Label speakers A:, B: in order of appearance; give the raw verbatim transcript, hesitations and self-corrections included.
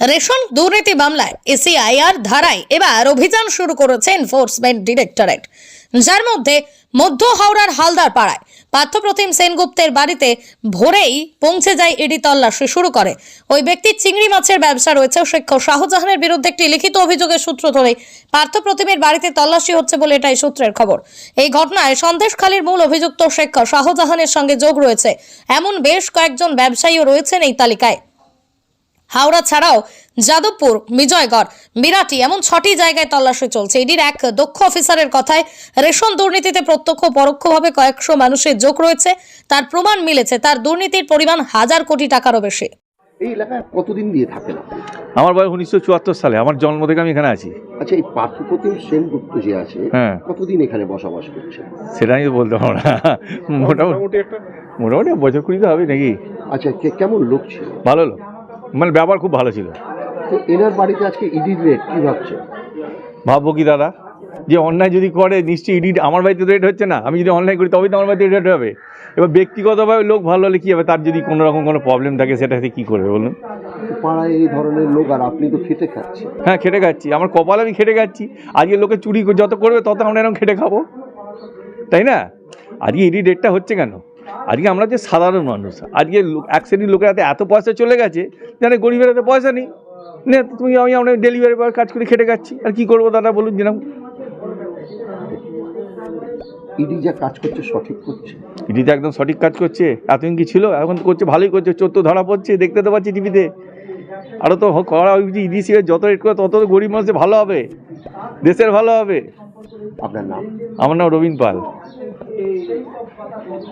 A: Ration দুর্নীতি মামলায় এসিআইআর ধারায় এবার অভিযান শুরু করেছে এনফোর্সমেন্ট ডিরেক্টরেট, যার মধ্যে মধ্য হাওড়ার হালদার পাড়ায় পার্থপ্রতিম সেনগুপ্তের বাড়িতে ভোরেই পৌঁছে যায় ইডি তল্লাশি শুরু করে। ওই ব্যক্তির চিংড়ি মাছের ব্যবসা রয়েছে। শিক্ষক শাহজাহানের বিরুদ্ধে একটি লিখিত অভিযোগের সূত্র ধরে পার্থপ্রতিমের বাড়িতে তল্লাশি হচ্ছে বলে এটাই সূত্রের খবর। এই ঘটনায় সন্দেশখালীর মূল অভিযুক্ত শিক্ষক শাহজাহানের সঙ্গে যোগ রয়েছে এমন বেশ কয়েকজন ব্যবসায়ীও রয়েছেন এই তালিকায়। হাওড়া ছাড়াও যাদবপুর, বিজয়গড়, বিরাটি এমন ছটি জায়গায় তল্লাশি চলছে। ইডির এক দক্ষ অফিসারের কথায় রেশন দুর্নীতিতে প্রত্যক্ষ পরোক্ষভাবে কয়েকশো মানুষের যোগ রয়েছে। তার প্রমাণ মিলেছে, তার দুর্নীতির পরিমাণ হাজার কোটি টাকারও বেশি।
B: এই এলাকায় কতদিন দিয়ে থাকেন আপনি?
C: আমার বয়স উনিশশো চুয়াত্তর সালে, আমার জন্ম থেকে আমি এখানে আছি।
B: আচ্ছা, এই পার্থপ্রতিম সেনগুপ্ত যে আছে,
C: হ্যাঁ,
B: কতদিন এখানে বসবাস করছে?
C: সেটা আমি বলতে পারবো না। মোটামুটি একটা মোটামুটি বছর কুড়ি তো হবে নাকি।
B: আচ্ছা, কে- কেমন লোক ছিল?
C: ভালো লোক, মানে ব্যবহার খুব ভালো ছিল।
B: তো এনার বাড়িতে আজকে ইডির রেট কি ভাবছে?
C: ভাববো কি দাদা, যে অন্যায় যদি করে নিশ্চয়ই ইডি আমার বাড়িতে রেট হচ্ছে না। আমি যদি অনলাইন করি তবেই তো আমার বাড়িতে রেট হবে। এবার ব্যক্তিগতভাবে লোক ভালো হলে কী হবে, তার যদি কোনো রকম কোনো প্রবলেম থাকে সেটাতে কী করবে বলুন।
B: পাড়ায় এই ধরনের লোক, আর আপনি তো খেটে খাচ্ছেন।
C: হ্যাঁ, খেটে খাচ্ছি, আমার কপাল আমি খেটে খাচ্ছি। আজকে লোকে চুরি যত করবে তত আমরা এরকম খেটে খাবো, তাই না? আজকে ইডি রেটটা হচ্ছে কেন? আজকে আমরা যে সাধারণ মানুষ, আজকে এক শ্রেণীর লোকের হাতে এত পয়সা চলে গেছে, জানে গরিবের হাতে পয়সা নেই। নে তুমি, আমি আমরা ডেলিভারি বয় কাজ করে খেটে খাচ্ছি, আর কি করবো দাদা বলুন। যেরকম
B: ইডি যা কাজ করছে সঠিক করছে?
C: ইডি তো একদম সঠিক কাজ করছে। এতদিন কি ছিল, এখন তো করছে, ভালোই করছে। চোর তো ধরা পড়ছে, দেখতে তো পাচ্ছি টিভিতে। আরও তো করা উচিত। ইডি সিএ যত রেট করে তত গরিব মানুষের ভালো হবে, দেশের ভালো হবে।
B: আপনার নাম?
C: আমার নাম রবীন পাল।